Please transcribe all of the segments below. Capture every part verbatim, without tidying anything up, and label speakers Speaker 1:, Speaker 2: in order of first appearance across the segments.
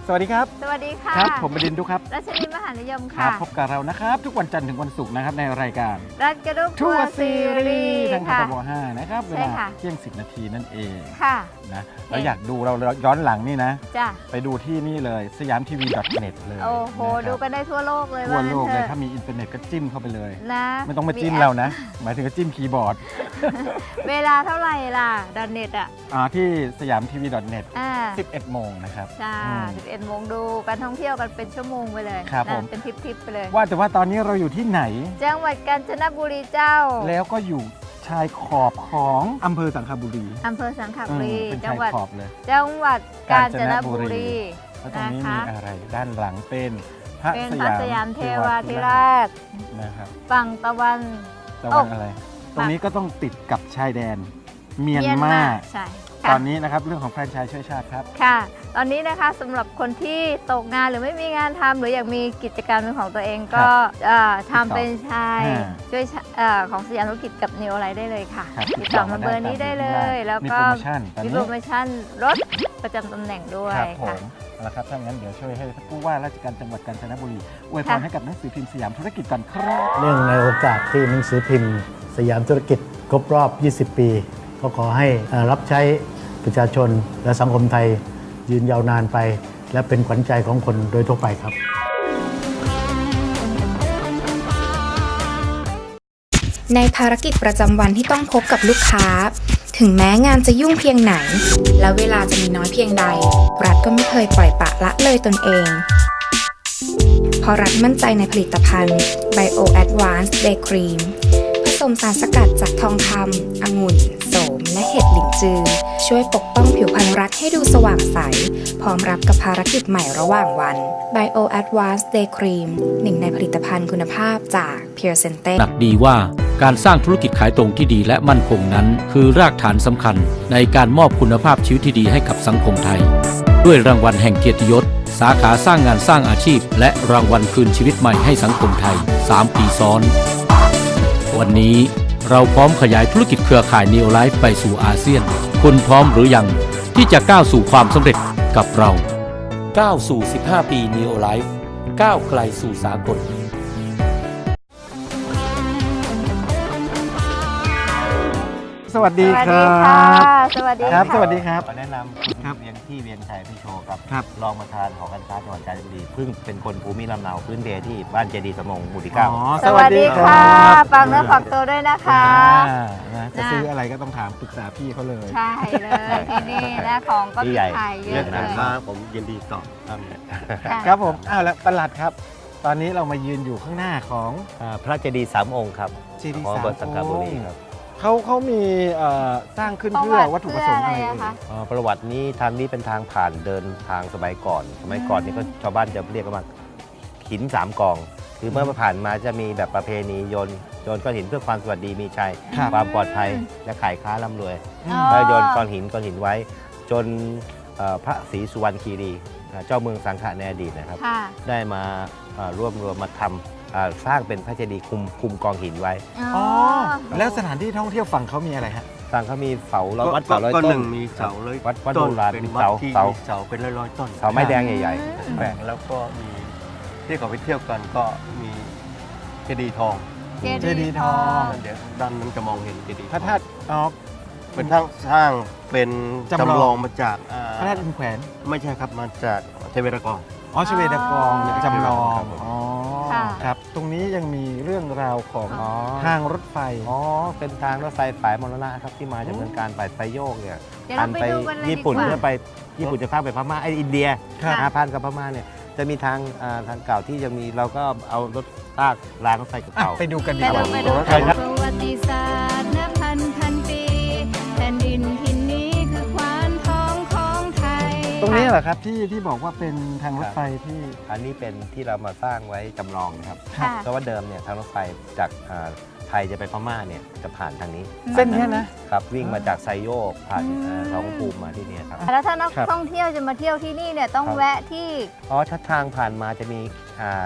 Speaker 1: สวัสดีครับ
Speaker 2: สวัสดีค่ะ
Speaker 1: ครับผมบดินทร์ดุครับ
Speaker 2: รัชนีมหานิยม
Speaker 1: ครั
Speaker 2: ค่ะ
Speaker 1: บพบกับเรานะครับทุกวันจันทร์ถึงวันศุกร์นะครับในรายการ
Speaker 2: รัฐกระดุก
Speaker 1: ทั
Speaker 2: ทั
Speaker 1: ว
Speaker 2: ว
Speaker 1: ร์
Speaker 2: ร์
Speaker 1: ซี
Speaker 2: ซี
Speaker 1: รี
Speaker 2: รี
Speaker 1: ส์
Speaker 2: ส์
Speaker 1: ทางท
Speaker 2: ค่ะ
Speaker 1: บห้านะครับเว
Speaker 2: ใช่
Speaker 1: ลา
Speaker 2: ค่ะ
Speaker 1: เที่ยงสิบนาทีนั่นเอง
Speaker 2: ค่ะ
Speaker 1: นะแล้วอยากดูเราย้อนหลังนี่นะ
Speaker 2: จ้ะ
Speaker 1: ไปดูที่นี่เลยสยามทีวี .net เลย
Speaker 2: โอ้โห
Speaker 1: นะครับ
Speaker 2: ดูกันได้ทั่วโลกเลย
Speaker 1: ทั่วโลกเลย
Speaker 2: ว่างั้นถอะ
Speaker 1: ถ้ามีอินเทอร์เน็ตก็จิ้มเข้าไปเลย
Speaker 2: นะ
Speaker 1: ไม่ต้องมาจิ้ม
Speaker 2: แป
Speaker 1: เรานะ หมายถึงก็จิ้มคีย์บอร์ด
Speaker 2: เวลาเท่าไหร่ล่ะดอนเน็ตอ่ะ
Speaker 1: อ่าที่สยามทีวี .net
Speaker 2: อ่า
Speaker 1: สิบเอ็ดโมงนะครับ
Speaker 2: จ้า
Speaker 1: อืม
Speaker 2: สิบเอ็ดโมงดูการท่องเที่ยวกันเป็นชั่วโมงไปเลย
Speaker 1: ครับ
Speaker 2: นะ
Speaker 1: ผม
Speaker 2: เป็นทริปๆไปเลย
Speaker 1: ว่าแต่ว่าตอนนี้เราอยู่ที่ไหน
Speaker 2: จังหวัดกาญจนบุรีเจ้า
Speaker 1: แล้วก็อยู่ชายขอบของอำเภอสังขบุรี
Speaker 2: อำเภอสังข
Speaker 1: อื
Speaker 2: บุ
Speaker 1: ม
Speaker 2: รี
Speaker 1: เป็น
Speaker 2: จั
Speaker 1: ชาง ย
Speaker 2: หวัด
Speaker 1: ขอบเลย
Speaker 2: จังหวัดกาญจนบุรี
Speaker 1: แล้วตรงนี้
Speaker 2: นะคะ
Speaker 1: มีอะไรด้านหลังเป็นพระ
Speaker 2: เป็น
Speaker 1: ส
Speaker 2: พระ
Speaker 1: ยาม
Speaker 2: สยามเทวาธิ
Speaker 1: ธิ
Speaker 2: ราช
Speaker 1: นะครับ
Speaker 2: ฝั่งตะวัน
Speaker 1: ตะวันอะไร ตรงนี้ก็ต้องติดกับชายแดนเมียนมา
Speaker 2: ใช่
Speaker 1: ตอนนี้นะครับเรื่องของแฟรนไชส์ช่วยชาติครับ
Speaker 2: ค่ะ ตอนนี้นะคะสำหรับคนที่ตกงานหรือไม่มีงานทำหรืออยากมีกิจการเป็นของตัวเองก็เอ่อทำเป็นชาย
Speaker 1: อ่า
Speaker 2: ช่วยชาเอ่อของสยามธุรกิจกับนิวอะไรได้เลยค่ะ
Speaker 1: ครับ
Speaker 2: ติดต่อมาเบอร์นี้ได้เลย แล้ว
Speaker 1: มี
Speaker 2: ก็
Speaker 1: โปรโมชั่นตอน
Speaker 2: มี
Speaker 1: นี้
Speaker 2: โปรโมชั่นรถประจำตำแหน่งด้วย
Speaker 1: ครับผ
Speaker 2: ค่ะ
Speaker 1: มเอาละครับถ้างั้นเดี๋ยวช่วยให้ผู้ว่าราชการจังหวัดกาญจนบุรีอวยพร
Speaker 2: ค่ะ
Speaker 1: ให้กับหนังสือพิมพ์สยามธุรกิจก่อนครับ
Speaker 3: เนื่องในโอกาสที่หนังสือพิมพ์สยามธุรกิจครบรอบ ยี่สิบ ปี ก็ขอให้เอ่อรับใช้ประชาชนและสังคมไทยยืนยาวนานไป และเป็นขวัญใจของคนโดยทั่วไปครับ
Speaker 4: ในภารกิจประจำวันที่ต้องพบกับลูกค้า ถึงแม้งานจะยุ่งเพียงไหน และเวลาจะมีน้อยเพียงใด รัฐก็ไม่เคยปล่อยปละละเลยตนเอง เพราะรัฐมั่นใจในผลิตภัณฑ์ Bio Advanced Day Cream ผสมสารสกัดจากทองคำองุ่น โสม และเห็ดหลินจือ ช่วยปกป้องผิวพรรณรัฐให้ดูสว่างใส พร้อมรับกับภารกิจใหม่ระหว่างวัน Bio Advanced Day Cream หนึ่งในผลิตภัณฑ์คุณภาพจาก Pure Sente
Speaker 5: หนักดีว่าการสร้างธุรกิจขายตรงที่ดีและมั่นคงนั้น คือรากฐานสำคัญในการมอบคุณภาพชีวิตที่ดีให้กับสังคมไทย ด้วยรางวัลแห่งเกียรติยศ สาขาสร้างงานสร้างอาชีพ และรางวัลคืนชีวิตใหม่ให้สังคมไทย สาม ปีซ้อน วันนี้เราพร้อมขยายธุรกิจเครือข่าย Neo Life ไปสู่อาเซียน คุณพร้อมหรือยังที่จะก้าวสู่ความสำเร็จกับเรา ก้าวสู่ สิบห้า ปี Neo Life ก้าวไกลสู่สากล
Speaker 1: สวัสดี
Speaker 2: สวัส
Speaker 1: ค
Speaker 2: ดี
Speaker 1: รั
Speaker 2: ค่ะ
Speaker 1: บ
Speaker 2: สวัสดี
Speaker 1: ครับ
Speaker 2: ค่ะ
Speaker 1: สวัสดีครับ
Speaker 6: ขอแนะนำคุณ
Speaker 1: ครับ
Speaker 6: เวียงที่เวียงชัยพี่โชว์ครับ
Speaker 1: ครับ
Speaker 6: รองประธานหอการค้าจังหวัดกาญจนบุรีเพิ่งเป็นคนภูมิลำเนาพื้นเพที่บ้านเจดีย์สมงหมู่ที่เก้า
Speaker 1: อ๋อ
Speaker 2: สวัสดีค่ะฝากเนื้อฝากตัวด้วยนะคะ
Speaker 1: อ่านะจะซื้ออะไรก็ต้องถามปรึกษาพี่เขาเลย
Speaker 2: ใช่เลยที่นี่นะของก็มีขายเย
Speaker 6: เรื่
Speaker 2: อะ
Speaker 6: อง
Speaker 2: เล
Speaker 6: การ
Speaker 2: ย
Speaker 6: ค้าผมยินดีตอบครับ
Speaker 2: ค่ะ
Speaker 1: ครับผมอ้าวแล้วประหลัดครับ ตอนนี้เรามายืนอยู่ข้างหน้าของ
Speaker 6: อ่าพระเจดีย์สามองค์ครับ
Speaker 1: เจดีย์
Speaker 6: ของ
Speaker 1: สาม
Speaker 6: บทสังขบุรี
Speaker 1: องค์
Speaker 6: ครับ
Speaker 1: เขาเขามีเอ่อสร้างขึ้นเพื่อวัตถุประสงค์อะไร
Speaker 2: เพื่ออะไร
Speaker 1: เอ่
Speaker 2: อะคะ
Speaker 1: ย
Speaker 6: อ่าประวัตินี้ทางนี้เป็นทางผ่านเดินทางสมัยก่อน สมัยก่อนนี่ก็ชาวบ้านจะเรียกกันว่าหินสามกอง คือเมื่อผ่านมาจะมีแบบประเพณีโยนโยนก้อนหินเพื่อความสวัสดีมีชัย
Speaker 1: ครับ
Speaker 6: ความปลอดภัยและขายค้าร่ำรวย
Speaker 2: อ๋อ
Speaker 6: แล้วโยนก้อนหินก้อนหินไว้ จนเอ่อพระศรีสุวรรณคีรีอ่าเจ้าเมืองสังขะในอดีตนะครับ
Speaker 2: ค่ะ
Speaker 6: ได้มาเอ่อรวบรวมมาทำอ่าสร้างเป็นพระเจดีย์คุมคุมกองหินไว้
Speaker 1: อ๋อแล้วสถานที่ท่องเที่ยวฝั่งเขามีอะไรฮะ
Speaker 6: สร้างเขามีเสาร้อยวัดเสาร้อย
Speaker 7: ก็
Speaker 6: ต้
Speaker 7: ห
Speaker 6: น
Speaker 7: นึ่งมีเสาร้อย
Speaker 6: วัดวัด
Speaker 7: ต้
Speaker 6: โบ
Speaker 7: น
Speaker 6: ราณ
Speaker 7: เป็น
Speaker 6: มี
Speaker 7: วัด
Speaker 6: เสา
Speaker 7: ที่
Speaker 6: เสา
Speaker 7: มีเสาเป็นร้อยๆต้น
Speaker 6: เสาไม้แดงใหญ่
Speaker 7: แบ่งแล้วก็มีที่เขาไปเที่ยวกันก็มีเจดีย์ทอง
Speaker 1: เจดีย์ทอง
Speaker 7: เดี๋ยวด้านนั้นจะมองเห็นเจดีย์
Speaker 1: พระธาตุอ๋อ
Speaker 7: เป็นทั้งสร้างเป็น
Speaker 1: จำลอง
Speaker 7: จำลองมาจากอ่า
Speaker 1: พระธาตุอินแขวน
Speaker 7: ไม่ใช่ครับมาจากเทเวรากร
Speaker 1: อ๋อชเวดากองเนี่ยจำลอง
Speaker 7: ครับผม
Speaker 1: อ๋อ
Speaker 2: ค่ะ
Speaker 1: ครับ ตรงนี้ยังมีเรื่องราวของ
Speaker 6: อ๋อ
Speaker 1: ทางรถไฟ
Speaker 6: อ๋อเป็นทางรถไฟสายมรณะครับที่มาจากเมืองการไปไซโยกเนี่ย
Speaker 2: เดี๋ยวเราไปดูกันเลย
Speaker 6: ญี่ปุ่น
Speaker 2: ดีกว่า
Speaker 6: เพื่อไปญี่ปุ่นจะข้ามไปพม่าไออินเดีย
Speaker 1: ครับ
Speaker 6: อาพันกับพม่าเนี่ยจะมีทางอ่าทางเก่าที่ยังมีเราก็เอารถลากรางรถไฟ
Speaker 1: อ่ะ
Speaker 6: เก่า
Speaker 1: ไปดูกันดี
Speaker 2: ไป
Speaker 1: ก
Speaker 2: ดู
Speaker 1: ว่า
Speaker 2: ไปดู
Speaker 6: ใช่ครับ
Speaker 2: ประวัติศาสตร์นับพันพันปีแผ่นดินทินนี้คือควานทองของไทย
Speaker 1: ตรงนี้เหรอครับที่ที่บอกว่าเป็นทางรถไฟที่
Speaker 6: อันนี้เป็นที่เรามาสร้างไว้จำลองนะครับ
Speaker 2: ค่ะ
Speaker 6: เพราะว่าเดิมเนี่ยทางรถไฟจากอ่าไทยจะไปพม่าเนี่ยจะผ่านทางนี้
Speaker 1: เส้นเนี้ยนะ
Speaker 6: ครับวิ่งมาจากไซโยกผ่าน
Speaker 2: อืม
Speaker 6: เอ่อทองภูมิมาที่เนี่ยครับ
Speaker 2: แล้วถ้านัก
Speaker 1: ครับ
Speaker 2: ท่องเที่ยวจะมาเที่ยวที่นี่เนี่ยต้อง
Speaker 6: ครับ
Speaker 2: แวะที่
Speaker 6: อ๋อชัดทางผ่านมาจะมีอ่า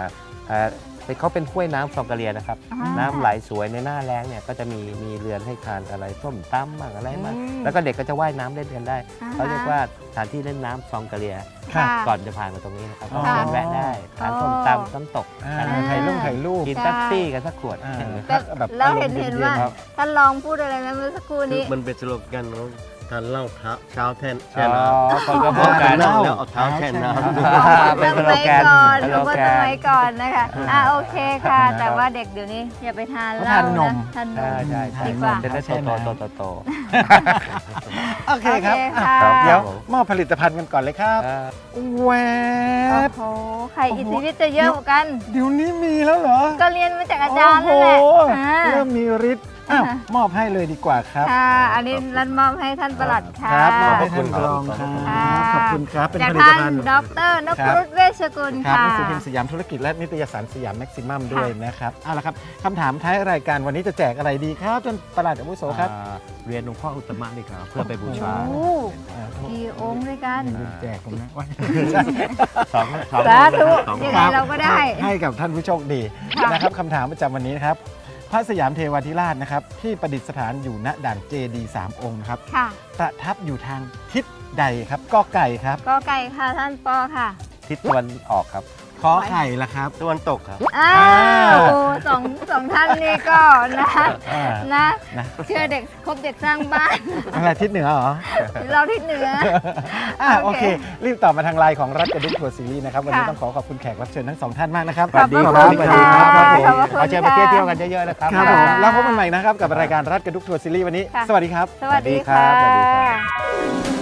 Speaker 6: เอ่อเขาเป็นห้วยน้ำซองกะเลียนะครับ
Speaker 2: อ่า
Speaker 6: น้ำไหลสวยในหน้าแล้งเนี่ยก็จะมีมีเรือนให้ทานอะไรส้มตำบ้างอะไรบ้าง
Speaker 2: อืม
Speaker 6: แล้วก็เด็กก็จะว่ายน้ำเล่นกันได้
Speaker 2: อ่าฮะ
Speaker 6: เขาเรียกว่าสถานที่เล่นน้ำซองกะเลีย
Speaker 2: ค่ะ
Speaker 6: ก่อนจะผ่านมาตรงนี้นะครับ
Speaker 1: อ๋อ
Speaker 6: ก็เดินแวะได้ทาน
Speaker 2: อ๋อ
Speaker 6: ส้มตำน้ำตก
Speaker 1: อ่า
Speaker 6: กัน
Speaker 1: ถ่ายรูปถ่ายรูป
Speaker 6: กินเป๊ปซี่กันสักขวด
Speaker 1: อ่า
Speaker 2: แต่
Speaker 1: แบบ
Speaker 2: แล้วเห็น
Speaker 1: อารมณ์
Speaker 2: เห็น
Speaker 1: ย็
Speaker 2: ว่า
Speaker 1: ๆครับ
Speaker 2: ท่านลองพูดอะไรนะเมื่อสักครู่
Speaker 7: คือ
Speaker 2: นี้
Speaker 7: มันเป็นสโลแกนของทานเหล้าเท้าเช้าแทนแช่
Speaker 6: อ๋
Speaker 7: น้
Speaker 6: อคนก็พูด
Speaker 7: ำ
Speaker 6: กัน
Speaker 7: เหล้าแล้วเอาเท้าแช่น้ำ
Speaker 6: เป็นสโลแกน
Speaker 2: สมัยก่อน
Speaker 6: สโล
Speaker 2: เมื่อ
Speaker 6: แก
Speaker 2: ส
Speaker 6: น
Speaker 2: มัยก่อนนะคะอ่ะโอเคค่ะ
Speaker 1: ครับ
Speaker 2: แต่ว่าเด็กเดี๋ยวนี้อย่าไปทานเห
Speaker 1: เขา
Speaker 2: ล้า
Speaker 1: ทานนม
Speaker 2: ะทานน
Speaker 6: ใช่
Speaker 2: ม
Speaker 6: ใช่ใช่
Speaker 2: ดีกว่า
Speaker 6: จะได้โตโตโตโตโต
Speaker 1: โอเคครับ
Speaker 2: โอเค
Speaker 1: อ่ะ
Speaker 2: ค่ะ
Speaker 1: ครับเดี๋ยว
Speaker 6: ผม
Speaker 1: มอบผลิตภัณฑ์กันก่อนเลยครับ
Speaker 6: อ่า
Speaker 1: แว
Speaker 2: โอ้
Speaker 1: บ
Speaker 2: โหใครอิทธิฤทธิ์จะเยอะกว่ากัน
Speaker 1: เดี๋ยวนี้มีแล้วเหรอ
Speaker 2: ก็เรียนมาจากอาจารย์นั่นแหละ
Speaker 1: โอ้โห
Speaker 2: อ่า
Speaker 1: เริ่มมีฤทธิ์อ้าวมอบให้เลยดีกว่าครับ
Speaker 2: ค่ะ อันนี้รันมอบให้ท่านประหลัดค่ะ
Speaker 1: ครับมอบให้
Speaker 6: ขอบคุ
Speaker 1: ท่าน
Speaker 6: ณ
Speaker 1: รองค
Speaker 6: ครั
Speaker 1: รับ
Speaker 6: บ
Speaker 1: ขอบคุณครับ เป็น
Speaker 2: จาก
Speaker 1: ผลิต
Speaker 2: ท่าน
Speaker 1: ภัณฑ์
Speaker 2: ดรนพ
Speaker 1: ครับ
Speaker 2: รุษเวชกุล
Speaker 1: ครับ
Speaker 2: ค่ะ
Speaker 1: หนังสือพิมพ์สยามธุรกิจและนิตยสารสยามแม็กซิมัมด้วยนะครับเอาละครับคำถามท้ายรายการวันนี้จะแจกอะไรดีครับท่านประหลัดอาวุโสครับ
Speaker 6: อ่าเรียนหลวงพ่ออุตตมะดีครับเพื่อไปบูชา
Speaker 2: โอ้กี่องค์ด้วยกัน
Speaker 1: อย่าลืมแจกผมนะว่า
Speaker 6: สองสอง
Speaker 2: สาธุ
Speaker 6: สอง
Speaker 2: ยังไงเราก็ได้
Speaker 1: ให้กับท่านผู้โชคดี
Speaker 2: ค่ะ
Speaker 1: นะครับคำถามประจำวันนี้นะครับ พระสยามเทวาธิราชนะครับที่ประดิษฐานอยู่ณด่านเจดีย์สามองค์นะครับ
Speaker 2: ค่ะ
Speaker 1: ประทับอยู่ทางทิศใดครับกอไก่ครับ
Speaker 2: ก็ไก่ค่ะท่านปอค่ะ
Speaker 6: ทิศตะวันออกครับ
Speaker 1: ขอไข่ละครับ
Speaker 7: ตะวันตกครับ
Speaker 2: อ้าวโอ้สองสองท่านนี่ก็นะ
Speaker 1: อ่า
Speaker 2: นะ
Speaker 1: นะ
Speaker 2: เชื่อเด็กคบเด็กสร้างบ้าน
Speaker 1: อะไรทิศเหนือเหรอ
Speaker 2: เราที่เหนือ
Speaker 1: อ่าโอ
Speaker 2: โอ
Speaker 1: เค
Speaker 2: เค
Speaker 1: รีบตอบมาทางไลน์ของรัฐกระดุกทัวร์ซีรีส์นะครับวันนี้
Speaker 2: ค่ะ
Speaker 1: ต้องขอขอบคุณแขกรับเชิญทั้งสองท่านมากนะครับ
Speaker 2: ขอบพระ
Speaker 1: ข
Speaker 2: คุณ
Speaker 1: สวัสดี
Speaker 2: ค่ะ
Speaker 1: ครับ
Speaker 2: ขอบพระคุณ
Speaker 6: ขอเชิญไป
Speaker 2: ค่ะ
Speaker 6: เที่ยวๆกันเยอะๆนะครับ
Speaker 1: ครับผม
Speaker 2: ค่ะ
Speaker 1: แล้วพบกันใหม่นะครับกับรายการรัฐกระดุกทัวร์ซีรีส์วันนี้
Speaker 2: ค่ะ
Speaker 1: สวัสดีครับ
Speaker 2: สวัสดี
Speaker 6: สวัสดีครั
Speaker 2: ค่ะ
Speaker 6: บสวัสดีครับ